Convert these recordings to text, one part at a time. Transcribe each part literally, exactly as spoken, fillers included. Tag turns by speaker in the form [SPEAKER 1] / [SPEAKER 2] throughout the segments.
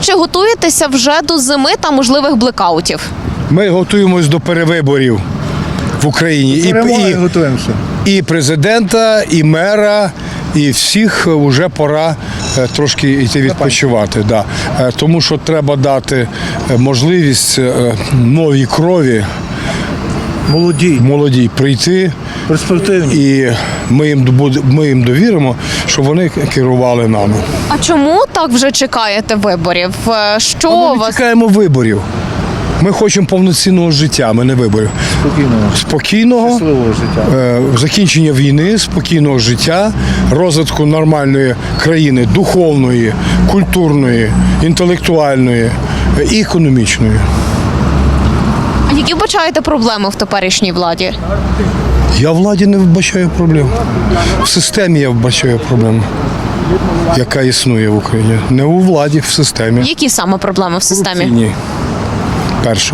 [SPEAKER 1] Чи готуєтеся вже до зими та можливих блекаутів?
[SPEAKER 2] Ми готуємось до перевиборів в Україні. І, і,
[SPEAKER 3] готуємося.
[SPEAKER 2] і президента, і мера, і всіх вже пора е, трошки йти відпочивати. Да. Е, Тому що треба дати е, можливість е, новій крові,
[SPEAKER 3] Молоді,
[SPEAKER 2] молодій прийти.
[SPEAKER 3] перспективні.
[SPEAKER 2] І ми їм, добуд- ми їм довіримо, щоб вони керували нами.
[SPEAKER 1] А чому так вже чекаєте виборів? Е, Що
[SPEAKER 2] Ми
[SPEAKER 1] вас?
[SPEAKER 2] чекаємо виборів. Ми хочемо повноцінного життя, ми не виборів.
[SPEAKER 3] Спокійного,
[SPEAKER 2] Спокійного,
[SPEAKER 3] щасливого життя.
[SPEAKER 2] е, закінчення війни, спокійного життя, розвитку нормальної країни, духовної, культурної, інтелектуальної е, і економічної.
[SPEAKER 1] А які вбачаєте проблеми в теперішній владі?
[SPEAKER 2] Я в владі не вбачаю проблем. В системі я вбачаю проблему, яка існує в Україні. Не у владі, в системі.
[SPEAKER 1] Які саме проблеми в системі?
[SPEAKER 2] Ні. Перше.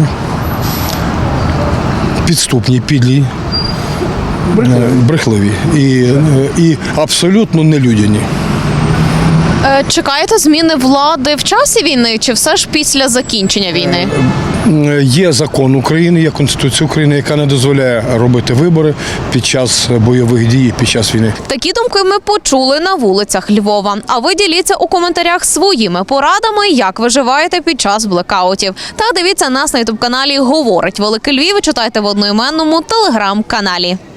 [SPEAKER 2] Підступні, підлі, брехливі, брехливі. І, е, і абсолютно нелюдяні.
[SPEAKER 1] Е, Чекаєте зміни влади в часі війни чи все ж після закінчення війни?
[SPEAKER 2] Е, Є закон України, є Конституція України, яка не дозволяє робити вибори під час бойових дій, під час війни.
[SPEAKER 1] Такі думки ми почули на вулицях Львова. А ви діліться у коментарях своїми порадами, як виживаєте під час блекаутів. Та дивіться нас на ютуб-каналі «Говорить Великий Львів» і читайте в одноіменному телеграм-каналі.